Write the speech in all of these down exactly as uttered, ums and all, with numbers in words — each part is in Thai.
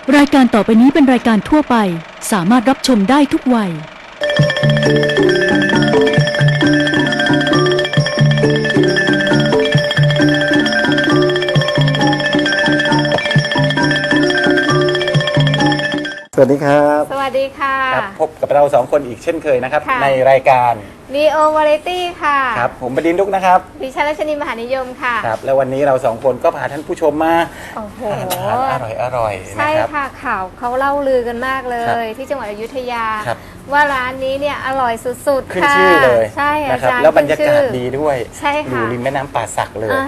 รายการต่อไปนี้เป็นรายการทั่วไปสามารถรับชมได้ทุกวัยสวัสดีครับสวัสดีค่ะครับพบกับเราสองคนอีกเช่นเคยนะครับในรายการ Neo Variety ค่ะครับผมบดินทร์ดุกนะครับดิฉันรัชนีมหานิยมค่ะครับแล้ววันนี้เราสองคนก็พาท่านผู้ชมมาโอ้โหอร่อยอร่อยใช่ค่ะข่าวเขาเล่าลือกันมากเลย ที่จังหวัดอยุธยาว่าร้านนี้เนี่ยอร่อยสุดๆขึ้นชื่อเลยใช่อาจารย์แล้วบรรยากาศดีด้วยใช่ค่ะอยู่ริมแม่น้ำป่าสักเลย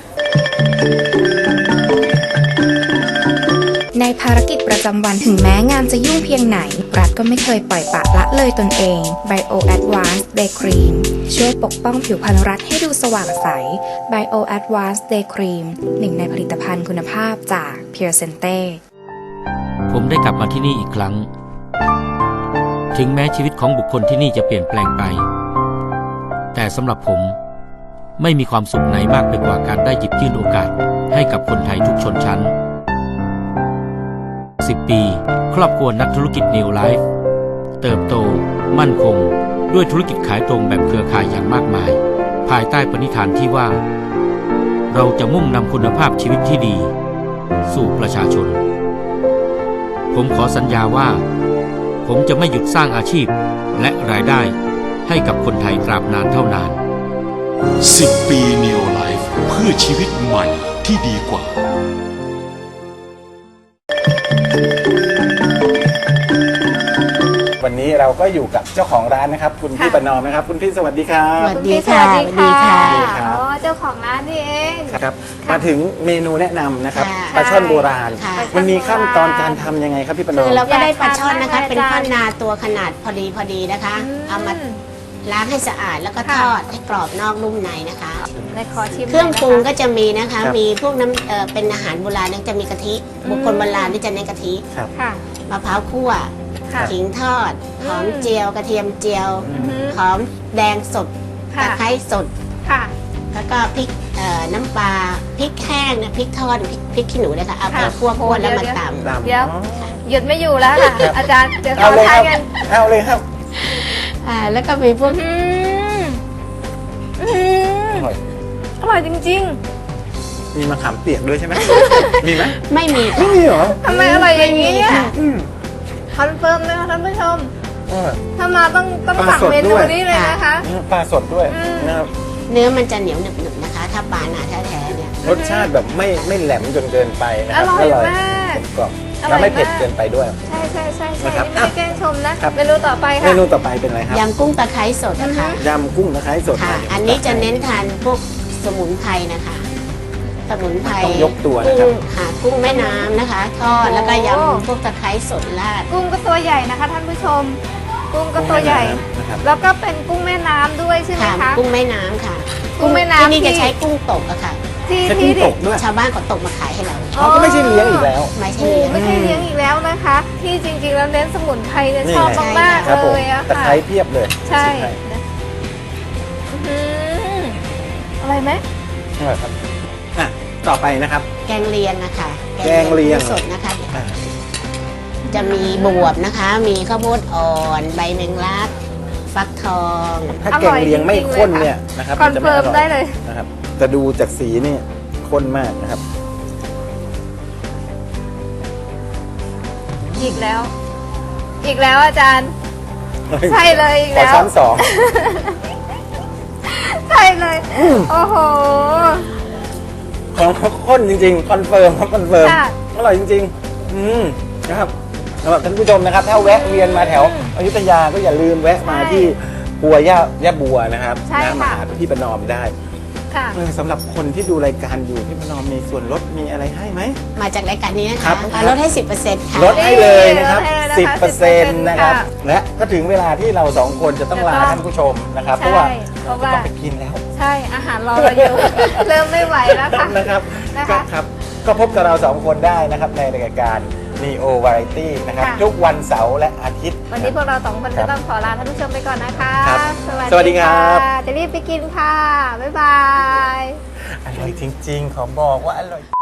ในภารกิจประจำวันถึงแม้งานจะยุ่งเพียงไหนรัฐก็ไม่เคยปล่อยปละละเลยตนเอง Bio Advanced Day Cream ช่วยปกป้องผิวพรรณรัฐให้ดูสว่างใส Bio Advanced Day Cream หนึ่งในผลิตภัณฑ์คุณภาพจาก Pure Sente ผมได้กลับมาที่นี่อีกครั้งถึงแม้ชีวิตของบุคคลที่นี่จะเปลี่ยนแปลงไปแต่สำหรับผมไม่มีความสุขไหนมากไปกว่าการได้หยิบยื่นโอกาสให้กับคนไทยทุกชนชั้นสิบปีครอบครัวนักธุรกิจ Neo Life เติบโตมั่นคงด้วยธุรกิจขายตรงแบบเครือข่ายอย่างมากมายภายใต้ปณิธานที่ว่าเราจะมุ่งนำคุณภาพชีวิตที่ดีสู่ประชาชนผมขอสัญญาว่าผมจะไม่หยุดสร้างอาชีพและรายได้ให้กับคนไทยตราบนานเท่านานสิบปี Neo Life เพื่อชีวิตใหม่ที่ดีกว่าวันนี้เราก็อยู่กับเจ้าของร้านนะครับคุณพี่ประนอมนะครับคุณพี่สวัสดีครับสวัสดีค่ะสวัสดีค่ะอ๋อเจ้าของร้านนี่เองครับมาถึงเมนูแนะนำนะครับปลาช่อนโบราณมันมีขั้นตอนการทำยังไงครับพี่ประนอมคือเราก็ได้ปลาช่อนนะคะเป็นท่อนนาตัวขนาดพอดีพอดีนะคะเอามาล้างให้สะอาดแล้วก็ทอดให้กรอบนอกนุ่มในนะคะเครื่องปรุงก็จะมีนะคะมีพวกน้ำเอ่อเป็นอาหารโบราณนั่นจะมีกะทิบุคคลโบราณที่จะเน้นกะทิมะพร้าวคั่วขิงทอดหอมเจียวกระเทียมเจียวหอมแดงสดตะไคร้สดแล้วก็พริกน้ำปลาพริกแห้งนะพริกทอดพริกพริกขี้หนูนะคะเอาไปคั่วคั่วแล้วมาตำเดี๋ยวหยุดไม่อยู่แล้วค่ะอาจารย์เดี๋ยวเอาเลยครับเอาเลยครับอ่าแล้วก็มีพวกอร่อยจริงๆมีมะขามเปียกด้วยใช่ไหมมีไหมไม่มีไม่มีเหรอทำไมอร่อยอย่างนี้คอนเฟิร์มเลยค่ะท่านผู้ชมถ้ามาต้องต้องสั่งเมนูนี้เลยนะคะปลาสดด้วยนะครับเนื้อมันจะเหนียวหนึบๆนะคะถ้าปลาหนาแท้ๆเนี่ยรสชาติแบบไม่ไม่แหลมจนเกินไปนะครับอร่อยมากกรอบแล้วไม่เผ็ดเกินไปด้วยใช่ใช่ใช่ใช่ไม่แกล้งชมนะเมนูต่อไปค่ะเมนูต่อไปเป็นอะไรครับยำกุ้งตะไคร้สดนะคะยำกุ้งตะไคร้สดค่ะอันนี้จะเน้นทานพวกสมุนไพรนะคะสมุนไพรต้องยกตัวนะครับค่ะกุ้งแม่น้ำนะคะทอดแล้วก็ยำพวกตะไคร้สดราดกุ้งก็ตัวใหญ่นะคะท่านผู้ชมกุ้งก็ตัวใหญ่แล้วก็เป็นกุ้งแม่น้ำด้วยใช่ไหมคะกุ้งแม่น้ำค่ะกุ้งแม่น้ำที่นี่จะใช้กุ้งตกอะค่ะที่ที่ชาวบ้านเขาตกมาขายให้เราเขาก็ไม่ใช่เลี้ยงอีกแล้วไม่ใช่เลี้ยงไม่ใช่เลี้ยงอีกแล้วนะคะที่จริงๆแล้วเน้นสมุนไพรเนี่ยชอบมากๆเลยอะค่ะตะไคร้เพียบเลยใช่อะไรไหมอร่อยครับอ่ะต่อไปนะครับแกงเลียงนะคะแกงเลียงสดนะคะจะมีบวบนะคะมีข้าวโพดอ่อนใบแมงลักฟักทองถ้าแกงเลียงไม่ข้นเนี่ยนะครับคอนเฟิร์มได้เลยนะครับแต่ดูจากสีนี่ข้นมากนะครับอีกแล้วอีกแล้วอาจารย์ใช่เลยอีกแล้วขอซ้ำสองใช่เลยโอ้โหของข้นจริงๆคอนเฟิร์มครับคอนเฟิร์มอร่อยจริงๆอืมนะครับสำหรับท่านผู้ชมนะครับถ้าแวะเวียนมาแถวอยุธยาก็อย่าลืมแวะมาที่ปัวย่าย่าบัวนะครับนะมาหาพี่ประนอมได้สำหรับคนที่ดูรายการอยู่พี่ประนอมมีส่วนลดมีอะไรให้ไหมมาจากรายการนี้นะคะลดให้ สิบเปอร์เซ็นต์ ค่ะลดให้เลยนะครับ สิบเปอร์เซ็นต์ นะครับและก็ถึงเวลาที่เราสองคนจะต้องลาท่านผู้ชมนะครับเพราะว่าเราต้องไปกินแล้วใช่อาหารรอเราอยู่เริ่มไม่ไหวแล้วค่ะนะครับครับก็พบกับเราสองคนได้นะครับในรายการ Neo Variety นะครับทุกวันเสาร์และอาทิตย์วันนี้พวกเราสองคนจะต้องขอลาท่านผู้ชมไปก่อนนะคะสวัสดีครับจะรีบไปกินค่ะบ๊ายบายอร่อยจริงๆขอบอกว่าอร่อย